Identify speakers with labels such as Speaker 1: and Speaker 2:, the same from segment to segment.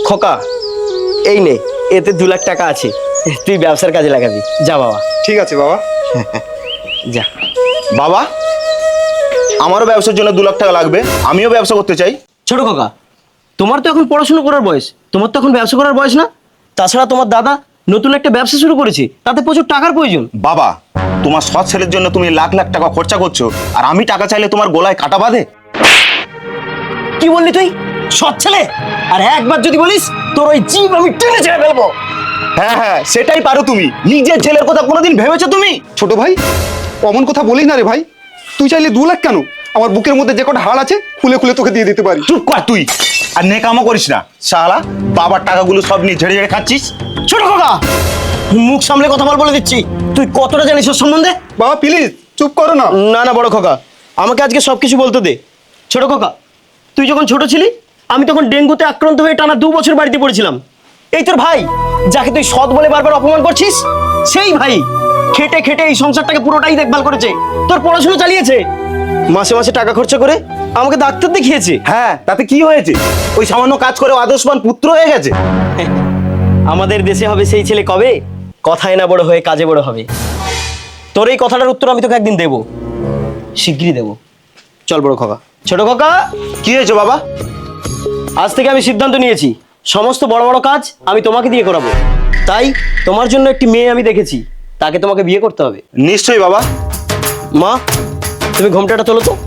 Speaker 1: খোকা, এই নে, এতে 2 লাখ টাকা আছে, তুই ব্যবসার কাজে লাগাবি। যা বাবা।
Speaker 2: ঠিক আছে বাবা।
Speaker 1: যা।
Speaker 3: বাবা, আমারও ব্যবসার জন্য 2 লাখ টাকা লাগবে, আমিও ব্যবসা করতে চাই।
Speaker 1: ছোট খোকা, তোমার তো এখন পড়াশোনা করার বয়স, তোমার তো এখন ব্যবসা করার বয়স না। তাছাড়া তোমার দাদা নতুন একটা ব্যবসা শুরু করেছে, তাতে প্রচুর টাকার প্রয়োজন।
Speaker 3: বাবা, তোমার সৎ ছেলের জন্য তুমি লাখ লাখ টাকা খরচা করছো, আর আমি টাকা চাইলে তোমার গলায় কাটা বাঁধে?
Speaker 1: কি বললি তুই? সৎ ছেলে? আর একবার যদি বলিস তোর ওই জিভ আমি টেনে ছেড়ে ফেলবো।
Speaker 3: হ্যাঁ হ্যাঁ, সেটাই পারো তুমি। নিজের ছেলের কথা কোনোদিন ভেবেছো তুমি?
Speaker 2: ছোট ভাই, অমন কথা বলিস না রে ভাই। তুই চাইলে 2 লাখ কেন, আমার বুকের মধ্যে যে কটা হাড় আছে খুলে খুলে তোকে দিয়ে দিতে পারি।
Speaker 3: চুপ কর তুই, আর নেকামো করিস না শালা। বাবার টাকাগুলো সব নিয়ে ঝেড়ে ঝেড়ে খাচ্ছিস।
Speaker 1: ছোট খোকা, মুখ সামলে কথা বলে দিচ্ছি। তুই কতটা জানিস ওর সম্বন্ধে?
Speaker 2: বাবা প্লিজ চুপ করো না।
Speaker 1: না না বড় খোকা, আমাকে আজকে সবকিছু বলতে দে। ছোট খোকা, তুই যখন ছোট ছিলি আমি তখন ডেঙ্গুতে আক্রান্ত হয়ে টানা 2 বছর বাড়িতে পড়েছিলাম। এই তোর ভাই, যাকে তুই সৎ বলে বারবার অপমান করছিস, সেই ভাই খেটে খেটে এই সংসারটাকে পুরোটাই দেখভাল করেছে, তোর পড়াশোনা চালিয়েছে, মাসে মাসে টাকা খরচা করে আমাকে ডাক্তার দেখিয়েছে।
Speaker 3: হ্যাঁ, তাতে কি হয়েছে? ওই সামান্য কাজ করে আদর্শবান পুত্র হয়ে গেছে।
Speaker 1: আমাদের দেশে হবে সেই ছেলে কবে, কথায় না বড় হয়ে কাজে বড় হবে। তোর এই কথাটার উত্তর আমি তোকে একদিন দেবো, শিগগিরই দেবো। চল বড় খোকা। ছোট খোকা,
Speaker 3: কি হয়েছে বাবা?
Speaker 1: আজ থেকে আমি সিদ্ধান্ত নিয়েছি, সমস্ত বড় বড় কাজ আমি তোমাকে দিয়ে করাবো। তাই তোমার জন্য একটি মেয়ে আমি দেখেছি, তাকে তোমাকে বিয়ে করতে হবে।
Speaker 3: নিশ্চয়ই বাবা।
Speaker 1: মা, তুমি ঘোমটাটা তোলো তো।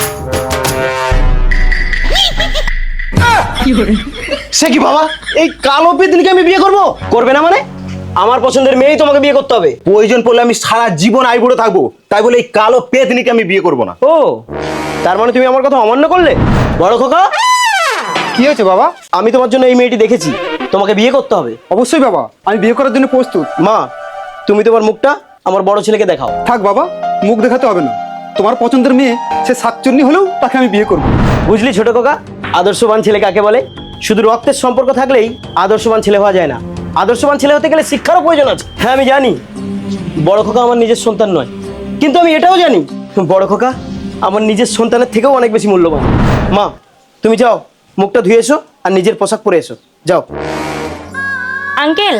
Speaker 1: সে কি বাবা, এই কালো পেতনিকে আমি বিয়ে করব? করবে না মানে? আমার পছন্দের মেয়েই তোমাকে বিয়ে করতে হবে।
Speaker 3: প্রয়োজন পড়লে আমি সারা জীবন আইবুড়ো থাকবো, তাই বলে এই কালো পেতনিকে আমি বিয়ে করবো না।
Speaker 1: ও, তার মানে তুমি আমার কথা অমান্য করলে? বড় খোকা,
Speaker 2: কি হয়েছে বাবা?
Speaker 1: আমি তোমার জন্য এই মেয়েটি দেখেছি, তোমাকে বিয়ে করতে হবে।
Speaker 2: অবশ্যই বাবা, আমি বিয়ে করার জন্য প্রস্তুত।
Speaker 1: মা, তুমি তোমার মুখটা আমার বড় ছেলেকে দেখাও।
Speaker 2: থাক বাবা, মুখ দেখাতে হবে না। তোমার পছন্দের মেয়ে সে শাকচুন্নি হলেও তাকে আমি বিয়ে করবো।
Speaker 1: বুঝলি ছোট খোকা, আদর্শবান ছেলে কাকে বলে? শুধু রক্তের সম্পর্ক থাকলেই আদর্শবান ছেলে হওয়া যায় না। আদর্শবান ছেলে হতে গেলে শিক্ষারও প্রয়োজন আছে। হ্যাঁ আমি জানি বড় খোকা আমার নিজের সন্তান নয়, কিন্তু আমি এটাও জানি বড় খোকা আমার নিজের সন্তানের থেকেও অনেক বেশি মূল্যবান। মা, তুমি যাও, মুখটা ধুয়ে এসো আর নিজের পোশাক পরে এসো, যাও।
Speaker 4: আঙ্কেল,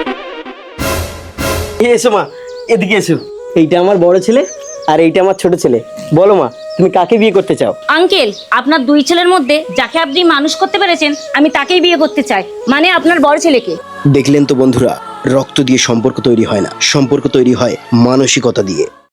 Speaker 1: এসো মা, এদিকে এসো। এইটা আমার বড় ছেলে আর এইটা আমার ছোট ছেলে। বলো মা, তুমি কাকে বিয়ে করতে চাও?
Speaker 4: আঙ্কেল, আপনার 2 ছেলের মধ্যে যাকে আপনি মানুষ করতে পেরেছেন আমি তাকেই বিয়ে করতে চাই, মানে আপনার বড় ছেলেকে।
Speaker 1: দেখলেন তো বন্ধুরা, রক্ত দিয়ে সম্পর্ক তৈরি হয় না, সম্পর্ক তৈরি হয় মানসিকতা দিয়ে।